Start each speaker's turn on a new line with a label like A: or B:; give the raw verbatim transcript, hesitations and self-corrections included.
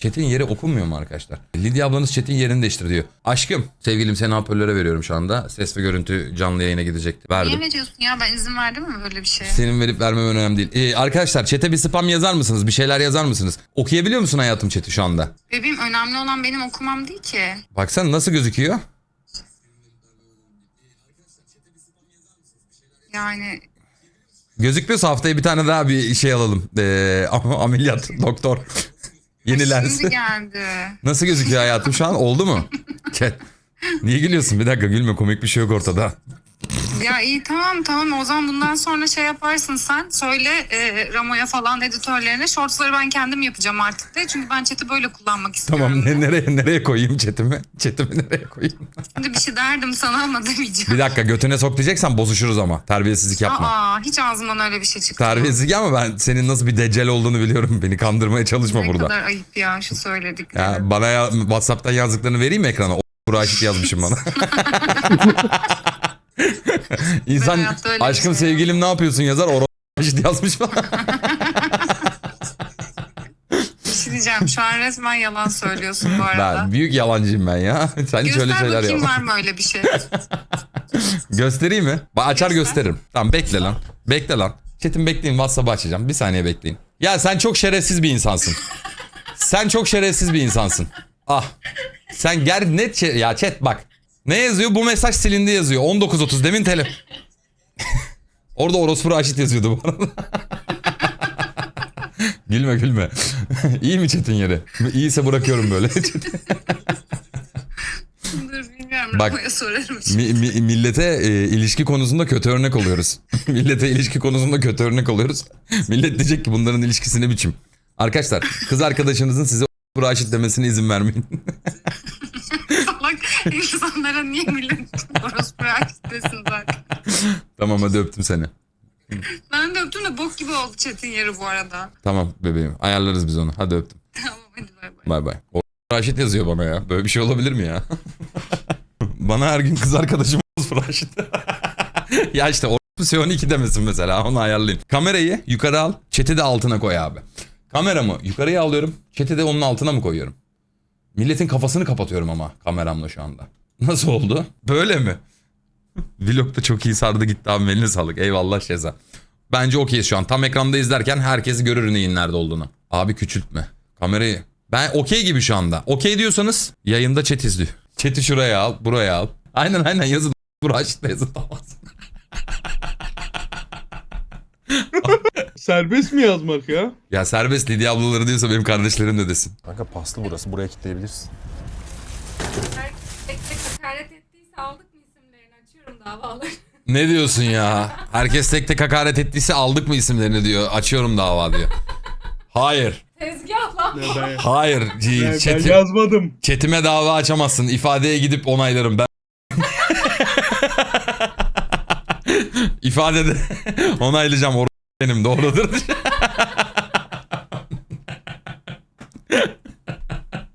A: Chat'in yeri okunmuyor mu arkadaşlar? Lidya ablanız chat'in yerini değiştir diyor. Aşkım, sevgilim seni hoparlöre veriyorum şu anda. Ses ve görüntü canlı yayına gidecek. Verdim.
B: Niye veriyorsun ya? Ben izin verdim mi böyle bir şeye?
A: Senin verip vermem önemli değil. Ee, arkadaşlar chat'e bir spam yazar mısınız? Bir şeyler yazar mısınız? Okuyabiliyor musun hayatım chat'i şu anda?
B: Bebeğim, önemli olan benim okumam değil ki.
A: Baksana nasıl gözüküyor?
B: Yani
A: Gözükmüyorsa haftaya bir tane daha bir şey alalım. Ee, ameliyat doktor. Yeni lens.
B: şimdi geldi.
A: Nasıl gözüküyor hayatım şu an? Oldu mu? Chat. Niye gülüyorsun? Bir dakika gülme, komik bir şey yok ortada.
B: Ya iyi, tamam tamam, o zaman bundan sonra şey yaparsın sen. Söyle e, Ramo'ya falan, editörlerine. Shortsları ben kendim yapacağım artık de. Çünkü ben chat'i böyle kullanmak istiyorum.
A: Tamam,
B: de.
A: ne, nereye nereye koyayım chatimi? Chatimi nereye koyayım?
B: Şimdi bir şey derdim sana ama demeyeceğim.
A: Bir dakika, götüne sok diyeceksen bozuşuruz ama. Terbiyesizlik yapma.
B: Aa, hiç ağzımdan öyle bir şey çıktı.
A: Terbiyesizlik ama ben senin nasıl bir deccal olduğunu biliyorum. Beni kandırmaya çalışma
B: Ne
A: burada.
B: kadar ayıp ya şu söyledikleri.
A: Ya bana ya, WhatsApp'tan yazdıklarını vereyim mi ekrana? O Raşit yazmışım bana. İnsan
B: hayatta öyle bir
A: aşkım
B: şey
A: sevgilim ne yapıyorsun yazar. O Raşit yazmış bana.
B: Bir şey diyeceğim, şu an resmen yalan söylüyorsun bu arada.
A: Ben büyük yalancıyım ben ya. Sen hiç öyle
B: Göster
A: şeyler
B: bakayım,
A: yapma.
B: var mı öyle bir şey?
A: Göstereyim mi? Ba- Açar
B: Göster.
A: gösteririm. Tamam, bekle lan. Bekle lan. Chat'im bekleyin, WhatsApp'ı açacağım. Bir saniye bekleyin. Ya sen çok şerefsiz bir insansın. Sen çok şerefsiz bir insansın. Ah. Sen ger net şe- ya chat bak. Ne yazıyor? Bu mesaj silindi yazıyor. on dokuz otuz demin tele. Orada orospu Raşit yazıyordu bu arada. Gülme gülme. İyi mi chat'in yeri? İyiyse bırakıyorum böyle.
B: Dur bilmiyorum,
A: Bak,
B: Ramo'ya sorarım şimdi.
A: Mi, mi- millete e, ilişki konusunda kötü örnek oluyoruz. Millete ilişki konusunda kötü örnek oluyoruz. Millet diyecek ki bunların ilişkisi ne biçim. Arkadaşlar, kız arkadaşınızın size o Raşit demesine izin vermeyin.
B: Salak insanlara niye millet orospu Raşit desin zaten.
A: Tamam, hadi öptüm seni.
B: Ben de öptüm de bok gibi oldu chat'in yeri bu arada.
A: Tamam bebeğim, ayarlarız biz onu. Hadi öptüm.
B: Tamam hadi bay bay.
A: Bay bay. O Raşit yazıyor bana ya. Böyle bir şey olabilir mi ya? Bana her gün kız arkadaşım Raşit. Ya işte o C on iki demesin mesela, onu ayarlayın. Kamerayı yukarı al, chat'i de altına koy abi. Kameramı yukarıya alıyorum, chat'i de onun altına mı koyuyorum? Milletin kafasını kapatıyorum ama kameramla şu anda. Nasıl oldu? Böyle mi? Vlog da çok iyi sardı gitti abi, eline sağlık. Eyvallah Şeza. Bence okeyiz şu an. Tam ekranda izlerken herkes görür neyin nerede olduğunu. Abi küçültme kamerayı. Ben okey gibi şu anda. Okey diyorsanız yayında chat izliyor. Chat'i şuraya al, buraya al. Aynen aynen yazın. Raşit'le yazın, tamam.
C: Serbest mi yazmak ya?
A: Ya serbest, Lidya ablaları diyorsa benim kardeşlerim de desin.
D: Kanka paslı burası. Buraya kilitleyebilirsin.
E: Tek tek hakaret ettiyse aldık mı isimlerini, açıyorum davaları.
A: Ne diyorsun ya? Herkes tek tek hakaret ettiyse aldık mı isimlerini diyor. Açıyorum dava diyor. Hayır.
E: Tezgah lan.
C: Ne ben,
A: Hayır.
C: ben, ben
A: Chat'i-
C: yazmadım.
A: Chatime dava açamazsın. İfadeye gidip onaylarım ben. İfadede onaylayacağım. Or benim doğrudur.